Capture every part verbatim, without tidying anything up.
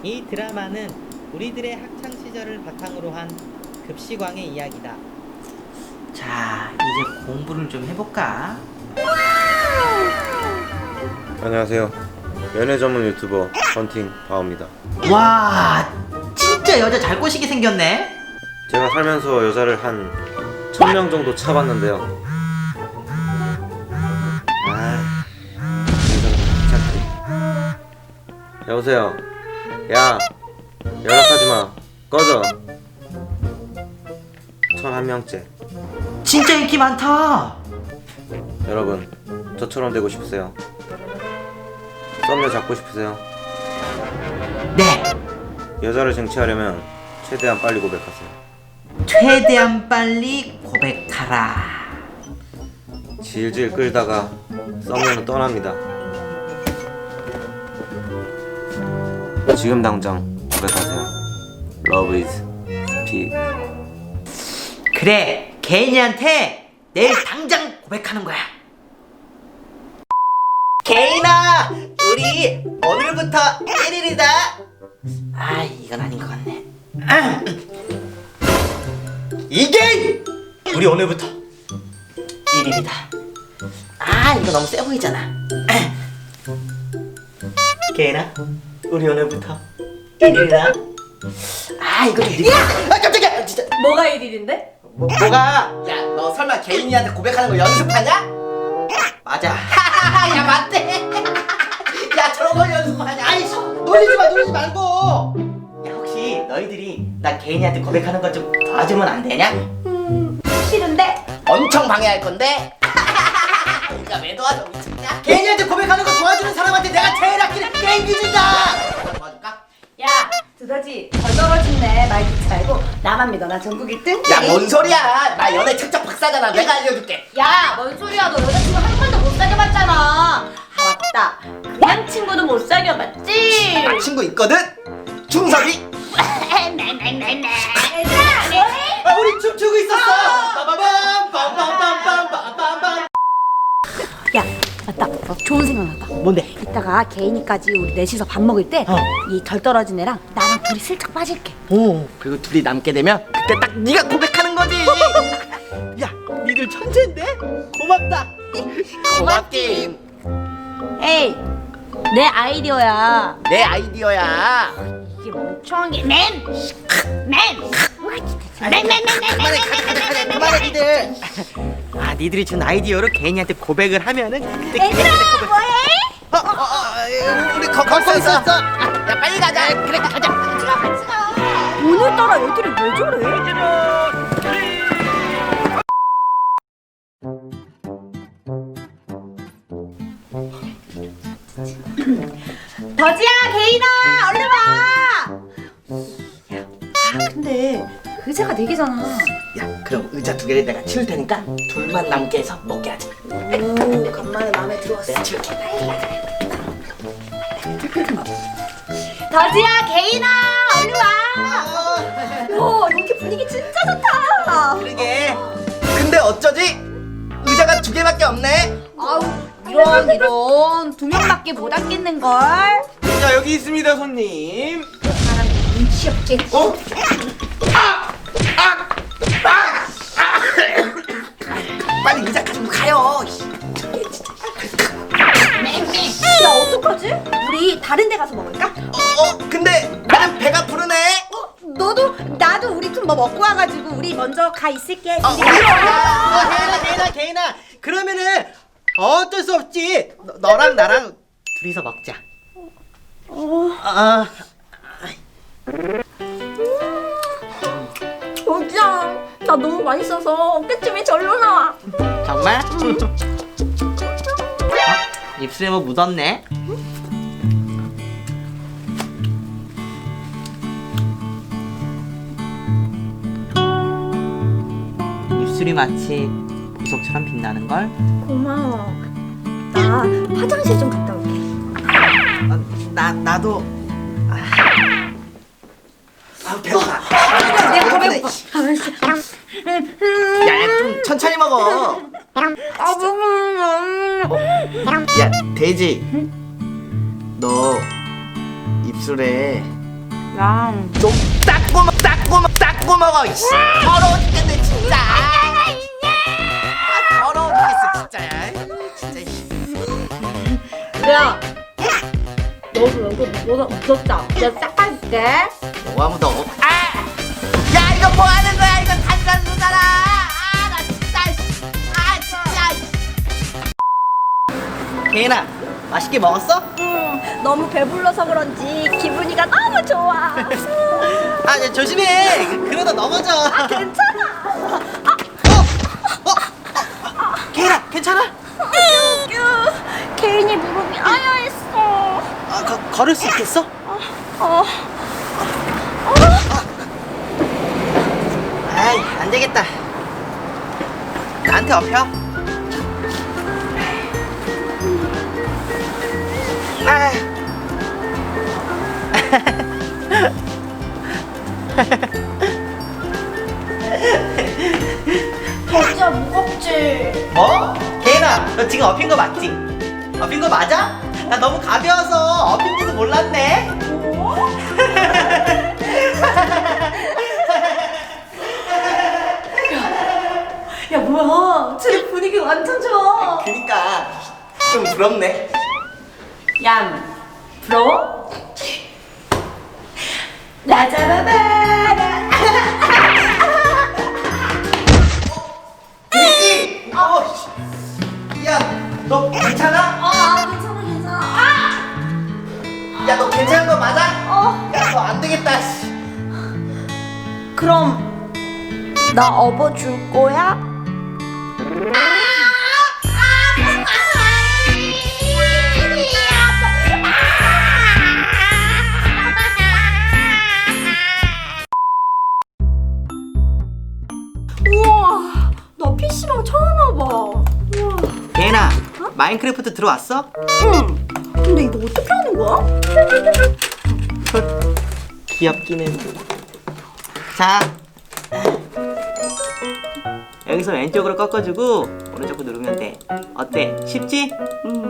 이 드라마는 우리들의 학창 시절을 바탕으로 한 급식왕의 이야기다. 자, 이제 공부를 좀 해볼까? 안녕하세요. 연애 전문 유튜버 헌팅 바오입니다. 와, 진짜 여자 잘 꼬시게 생겼네. 제가 살면서 여자를 한 천 명 정도 차봤는데요. 아, 여자가 귀찮대. 여보세요. 야, 연락하지 마. 꺼져. 천한 명째. 진짜 인기 많다. 여러분, 저처럼 되고 싶으세요? 썸녀 잡고 싶으세요? 네, 여자를 쟁취하려면 최대한 빨리 고백하세요. 최대한 빨리 고백하라. 질질 끌다가 썸녀는 떠납니다. 지금 당장 고백하세요. Love is speed. 그래, 개인이한테 내일 당장 고백하는 거야. 개인아, 우리 오늘부터 일 일이다. 아, 이건 아닌 것 같네. 이게 우리 오늘부터 일 일이다. 아, 이거 너무 세 보이잖아. 개인아, 우리 오늘부터 일 일이다. 아, 이거 좀 느끼... 아, 깜짝이야, 진짜. 뭐가 일 일인데? 뭐, 뭐가? 야, 너 설마 개인이한테 고백하는 거 연습하냐? 맞아. 야, 맞대. 야, 저런 걸 연습하냐? 아이, 놀리지 마, 놀리지 말고. 야, 혹시 너희들이 나 개인이한테 고백하는 것 좀 도와주면 안 되냐? 음, 싫은데? 엄청 방해할 건데. 야, 왜 도와줘, 미쳤냐? 개인이한테 고백하는 거 도와주는 사람한테 내가 제일 아끼는 게임기 준다. 도와줄까? 야, 두더지 덜 떨어진네. 말 듣지 말고 나만 믿어. 나 전국 일 등. 야, 뭔 소리야? 나 연애 책적 박사잖아. 내가 알려줄게. 야, 뭔 소리야? 너 여자친구 한 번도 못 사귀어봤잖아. 아, 맞다. 그냥 친구도 못 사귀어봤지? 나 친구 있거든? 중섭이. 얘들아, 뭐해? 아, 우리 춤추고 있었어. 빠바밤 빰빰빰빰빰빰빰. 야, 맞다. 어, 좋은 생각 났다. 뭔데? 이따가 개인이까지 우리 넷이서 밥 먹을 때 이 덜 떨어진 애랑 나랑 둘이 슬쩍 빠질게. 오, 그리고 둘이 남게 되면 그때 딱 네가 고백하는 거지. 야, 니들 천재인데? 고맙다. 고맙긴. 에이, 내 아이디어야. 내 아이디어야. 이게 멍청한 게 맨! 맨! 맨! 맨! 맨! 맨! 그만해, 그만해, 그만해, 니들. 아, 니들이 준 아이디어로 개인이한테 고백을 하면은 그때 얘들아, 개인이한테 고백. 뭐해? 어, 어, 어, 우리 거, 걷고 있었어. 야, 빨리 가자. 그래, 가자. 같이 가, 같이 가. 오늘따라 애들이 왜 저래? 더지야, 개인아, 얼른 와. 아, 근데 의자가 네 개잖아. 야, 그럼 의자 두 개를 내가 치울 테니까 둘만 남게 해서 먹게 하자. 오, 간만에 마음에 들어왔어. 내가 치울게. 더지야, 개인아, 얼른 와. 야, 여기 분위기 진짜 좋다. 그러게. 근데 어쩌지? 의자가 두 개밖에 없네. 아우, 이런 이런 두 명밖에 못 앉겠는 걸. 자, 여기 있습니다, 손님. 사람 눈치 없게. 어? 빨리 의자 가지고 가요. 야, 어떡하지? 우리 다른 데 가서 먹을까? 어, 어, 근데 나는 배가 부르네. 어, 너도 나도 우리 좀 뭐 먹고 와가지고 우리 먼저 가 있을게. 어, 어, 개인아, 개인아, 개인아. 그러면은 어쩔 수 없지. 너, 너랑 나랑 둘이서 먹자. 어, 아, 더지야, 나 너무 맛있어서 어깨춤이 절로 나와. 정말? 어? 입술에 뭐 묻었네? 입술이 마치 보석처럼 빛나는걸? 고마워. 나 화장실 좀 갔다 올게. 어, 나, 나도. 아, 아 배고파. 내가 배고프네. 배고파. 야, 야, 좀 천천히 먹어. 아, 너무. 야, 돼지. 너 입술에 야. 좀 닦고 먹 닦고 먹 닦고 먹어. 이씨. 더러워 죽겠네 진짜. 아, 더러워 죽겠어 진짜. 아이, 진짜. 이씨. 야. 너도 여기 뭐가 묻었다. 내가 싹 빠질게. 뭐가 묻어? 아! 야 이거 뭐 하는 거야? 이거 탄산수잖아. 아 나 진짜. 씨. 아 진짜. 개인아 맛있게 먹었어? 응. 너무 배불러서 그런지 기분이가 너무 좋아. 아 야, 조심해. 그러다 넘어져. 아, 괜찮아. 어? 어? 어? 개인아 괜찮아? 뀨뀨. 개인이 무릎이 아야했어. 아, 거, 걸을 수 있겠어? 어. 아이 안 되겠다. 나한테 업혀. 아. 진짜 무겁지. 뭐? 개인아 너 지금 업힌 거 맞지? 업힌 거 맞아? 나 너무 가벼워서 업힌지도 몰랐네. 뭐? 야 뭐야? 제 분위기 완전 좋아. 그니까 좀 부럽네. 얌 부러워? 나 잡아봐라. 미끼! 어, 야, 너 괜찮아? 아 괜찮아 괜찮아. 아! 야, 너 괜찮은 거 맞아? 어. 야, 너 안 되겠다. 씨. 그럼 나 업어줄 거야? 우와, 나 피시방 처음 와봐. 우와. 개인아, 마인크래프트 들어왔어? 응. 근데 이거 어떻게 하는 거야? 귀엽긴 해. 자, 여기서 왼쪽으로 꺾어주고 오른쪽으로 누르면 돼. 어때? 쉽지? 응.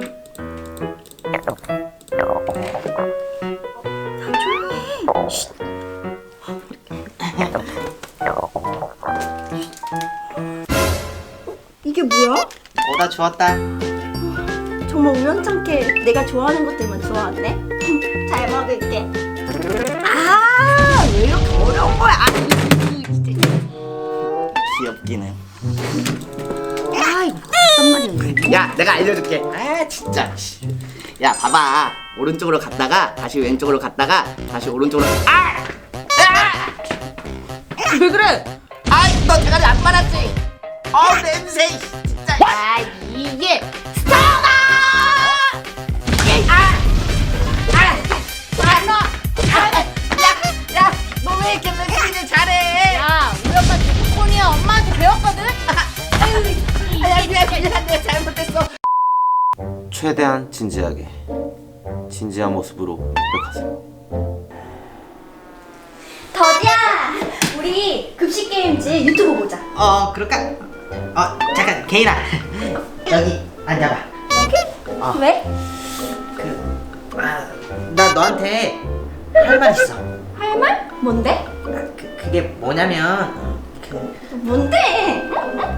야, 조용히 해. 쉿. 이게 뭐야? 오다 주웠다. 정말 우연찮게 내가 좋아하는 것들만 좋아하네. 잘 먹을게. 아, 왜 이렇게 어려운 거야? 아, 진짜. 귀엽긴 해. 아, 이거 어떤 말이야? 야, 내가 알려줄게. 아, 진짜. 씨. 야, 봐봐. 오른쪽으로 갔다가 다시 왼쪽으로 갔다가 다시 오른쪽으로. 아! 아! 왜 그래? 아이, 너 대가리 안 말았지? 어우, 냄새. 진짜. 아, 이게 스타가! 아! 아! 아, 너! 아, 야, 야, 너 왜 이렇게 렉시를 잘해? 야, 우리 엄마 데코콘이야. 엄마한테 배웠거든? 아, 야, 미안, 미안, 내가 잘못했어. 최대한 진지하게 진지한 모습으로 고백하세요. 더디야, 우리 급식 게임즈 유튜브 보자. 어, 그럴까? 어, 잠깐, 개인아. 여기 앉아봐. 어. 왜? 그, 아, 나 너한테 할 말 있어. 할 말? 뭔데? 아, 그, 그게 뭐냐면, 그, 뭔데?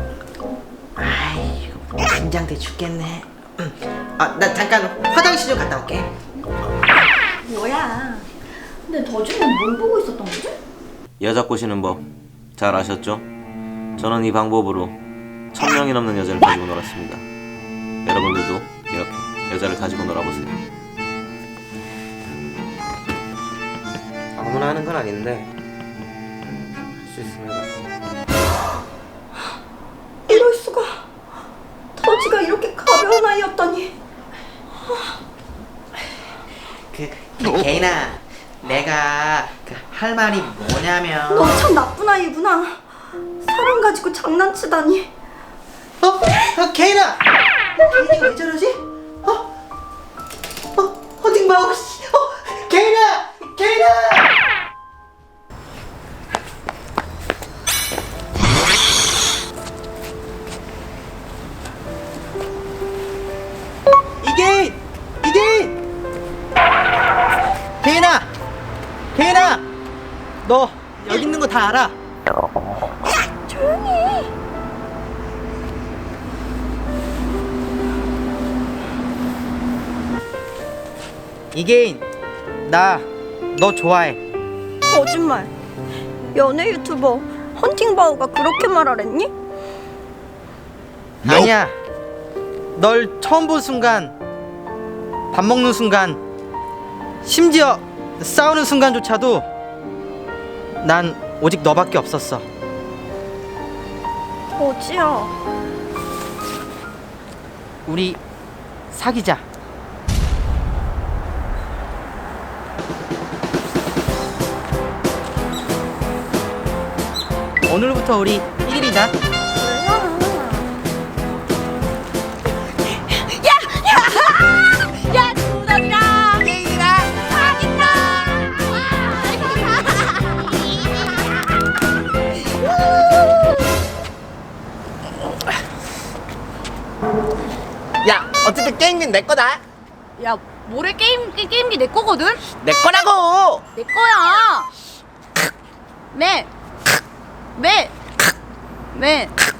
아이, 이거 긴장돼 죽겠네. 음. 아, 나 잠깐 화장실 좀 갔다 올게. 뭐야? 근데 더주는 뭘 보고 있었던 거지? 여자 꼬시는 법 잘 아셨죠? 저는 이 방법으로 천 명이 넘는 여자를 가지고 놀았습니다. 여러분들도 이렇게 여자를 가지고 놀아보세요. 아무나 하는 건 아닌데 할 수 있으면 이럴 수가. 더지가 이렇게 가벼운 아이였다니. 그, 개인아, 내가 그 할 말이 뭐냐면. 너 참 나쁜 아이구나. 사람 가지고 장난치다니. 어? 어, 개인아! 개인이가 왜 저러지? 어? 어? 어딘 봐, 씨. 어? 개인아! 개인아! 이게! 이게! 개인아! 개인아, 너 여기 있는 거 다 알아. 조용히 해. 이계인, 나 너 좋아해. 거짓말. 연애 유튜버 헌팅바우가 그렇게 말하랬니? 아니야. 널 처음 본 순간, 밥 먹는 순간, 심지어 싸우는 순간조차도 난 오직 너밖에 없었어. 거지야. 우리 사귀자. 오늘부터 우리 일이자. 야, 두더지랑 게임이랑 야, 어쨌든 게임은 내 거다. 야, 모래 게임 게, 게임기 내 거거든? 내 거라고. 내 거야. 매. 매. 매.